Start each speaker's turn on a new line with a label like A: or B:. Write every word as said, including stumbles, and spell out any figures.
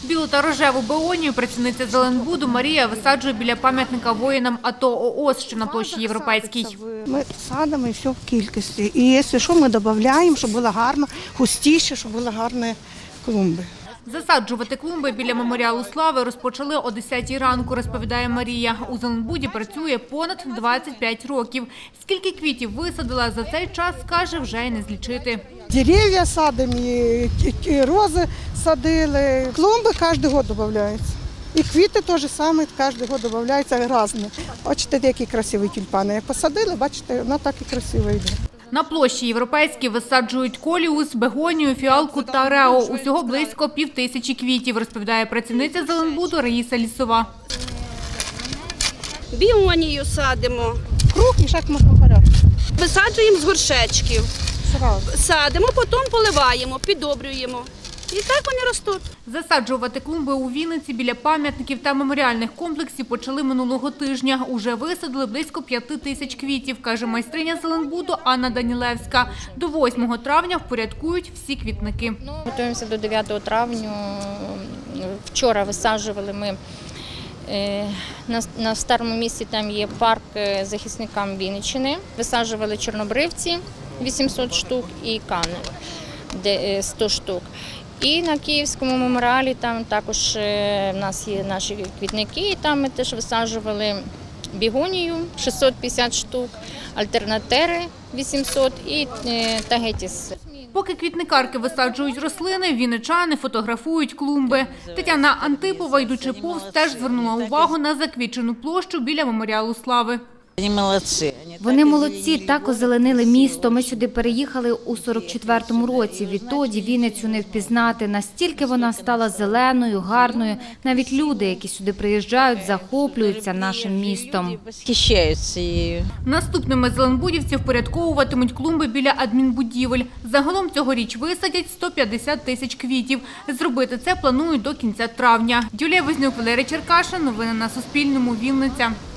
A: Білу та рожеву беонію працівниця Зеленбуду Марія висаджує біля пам'ятника воїнам АТО ООС, що на площі Європейській.
B: Ми садимо і все в кількості. І якщо що, ми додаємо, щоб було гарно, густіше, щоб були гарні клумби.
A: Засаджувати клумби біля меморіалу слави розпочали о десятій ранку, розповідає Марія. У Зеленбуді працює понад двадцять п'ять років. Скільки квітів висадила за цей час, каже, вже й не злічити.
B: Дерев'я садимо, і рози садили. Клумби кожен рік додаються. І квіти теж саме кожен рік додаються різні. Бачите, які красиві тюльпани. Як посадили, бачите, воно так і красиво йде.
A: На площі Європейській висаджують коліус, бегонію, фіалку та рео. Усього близько півтисячі квітів, розповідає працівниця Зеленбуду Раїса Лісова.
C: Біонію садимо.
B: Круг і шахматну порядку.
C: Висаджуємо з горшечків.
B: Сразу.
C: Садимо, потім поливаємо, піддобрюємо. І так вони ростуть.
A: Засаджувати клумби у Вінниці біля пам'ятників та меморіальних комплексів почали минулого тижня. Уже висадили близько п'яти тисяч квітів, каже майстриня Зеленбуду Анна Данілевська. До восьмого травня впорядкують всі квітники.
D: Готуємося до дев'ятого травня. Вчора висаджували ми на, на старому місці, там є парк захисникам Вінниччини. Висаджували чорнобривці вісімсот штук і кани сто штук. І на Київському меморіалі там також в нас є наші квітники, і там ми теж висаджували бігонію шістсот п'ятдесят штук, альтернатери вісімсот і тагетіс.
A: Поки квітникарки висаджують рослини, вінничани фотографують клумби. Тетяна Антипова, йдучи повз, теж звернула увагу на заквітчену площу біля меморіалу слави.
E: Вони молодці.
F: Вони молодці, так озеленили місто. Ми сюди переїхали у сорок четвертому році. Відтоді Вінницю не впізнати. Настільки вона стала зеленою, гарною. Навіть люди, які сюди приїжджають, захоплюються нашим містом.
E: Схищаються її.
A: Наступними зеленбудівці впорядковуватимуть клумби біля адмінбудівель. Загалом цьогоріч висадять сто п'ятдесят тисяч квітів. Зробити це планують до кінця травня. Юлія Вознюк, Валерій Черкашин. Новини на Суспільному. Вінниця.